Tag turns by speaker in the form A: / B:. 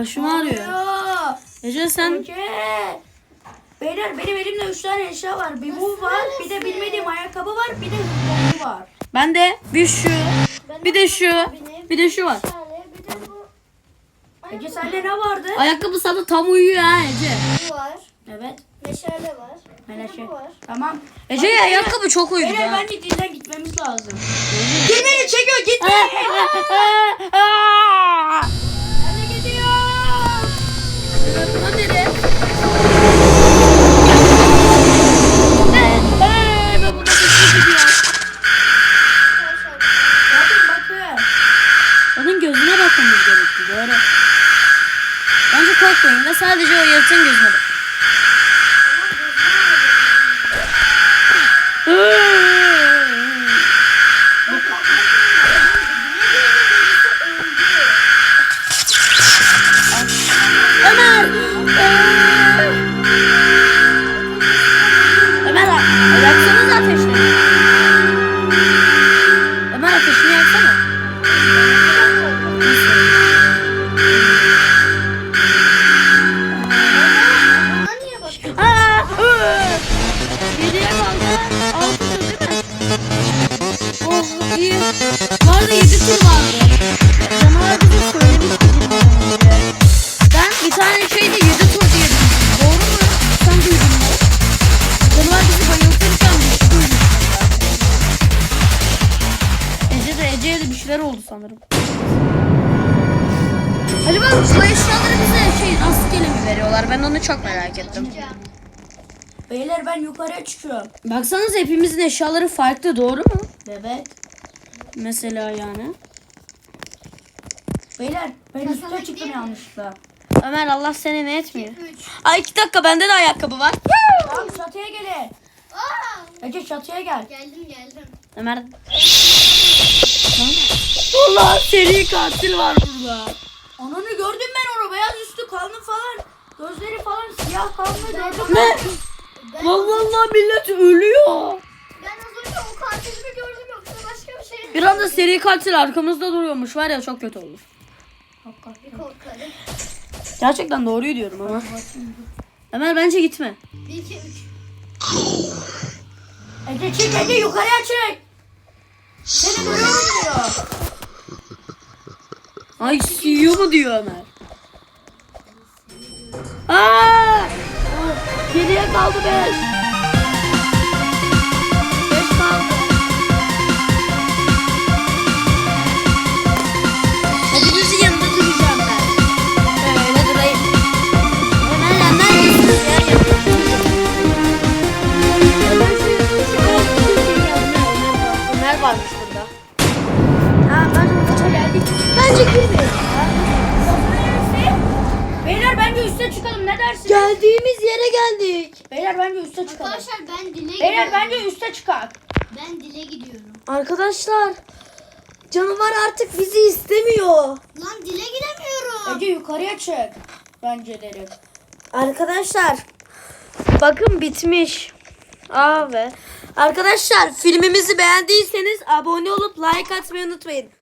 A: başım ağrıyor. Ece sen...
B: Ece. Beyler benim elimde 3 tane eşya var. Bir bu var, bir de bilmediğim ayakkabı var, bir de hızlı var.
A: Ben de bir şu, bir de şu, bir de şu var.
C: Bir de bu
B: Ece sende ne vardı?
A: Ayakkabı sana tam uyuyor ha Ece.
C: var.
B: Evet.
C: Meşale var.
B: Meşale.
C: Bu var.
B: Tamam.
A: Ece'ye ayakkabı çok uyuyor.
B: Beyler bence dilden gitmemiz lazım. Beni çekiyor gitme. Hadi gidiyor.
A: Lan nereye? Ben burada bir gidiyor.
B: Bakın.
A: Onun gözüne bakmamız gerekti. Doğru. Bence korkmayın ve sadece o yaratığın gözüne bakın. Ömer! Ömer yaksanız ateşini. Ömer ateşini yaksana.
C: Buna niye bakıyorsun?
A: Geriye kaldı. 6 tur değil mi? Oh iyi. Bu arada 7 tur vardı. Canavar bize söylemişti. Ben bir tane şeyde 7 tur diye duydum. Doğru mu? Sen duydun mu? Canavar bizi bayıltırken bir şey duymuştum ben. Ece'ye de bir şeyler oldu sanırım. Acaba bu eşyaları bize rastgele mi veriyorlar? Ben onu çok merak ettim.
B: Beyler ben yukarıya çıkıyorum.
A: Baksanız hepimizin eşyaları farklı, doğru mu?
B: Evet.
A: Mesela yani.
B: Beyler ben üstte çıktım yanlışlıkla.
A: Ömer Allah seni ne etmiyor?
C: 3.
A: Ay 2 dakika bende de ayakkabı var.
B: Tamam çatıya gelin. Ece çatıya gel.
C: Geldim.
A: Ömer. Allah seri katil var burada.
B: Ananı gördüm ben onu. Beyaz üstü kalın falan. Gözleri falan siyah kalın gördüm.
A: Ne? Vallahi millet ölüyor.
C: Ben az önce o katilimi gördüm yoksa başka bir şey.
A: Bir anda seri katil arkamızda duruyormuş var ya, çok kötü olur.
C: Bir korkarım.
A: Gerçekten doğruyu diyorum ama. Ömer bence gitme.
C: 1, 2, 3.
B: Ece çık Ece yukarıya çık. Seni görüyorum diyor.
A: Ay CEO mu diyor Ömer. Aa! Geriye kaldı 5. 5 kaldı. Hepinizin yanında duracağım ben. Öyle durayım. Ömer lan neredesiniz ya? Ömer varmış burada.
B: Ha ben oraya geldik.
A: Bence girmeyelim.
B: Beyler bence üste çıkalım ne dersiniz?
A: Geldiğimiz yere geldik.
B: Beyler bence üste çıkalım.
C: Arkadaşlar ben dile
B: Beyler
C: gidiyorum.
B: bence üste çıkar.
C: Ben dile gidiyorum.
A: Arkadaşlar, canavar artık bizi istemiyor.
C: Lan dile gidemiyorum.
B: Ece yukarıya çık. Bence derim.
A: Arkadaşlar, bakın bitmiş. Abi. Arkadaşlar, filmimizi beğendiyseniz abone olup like atmayı unutmayın.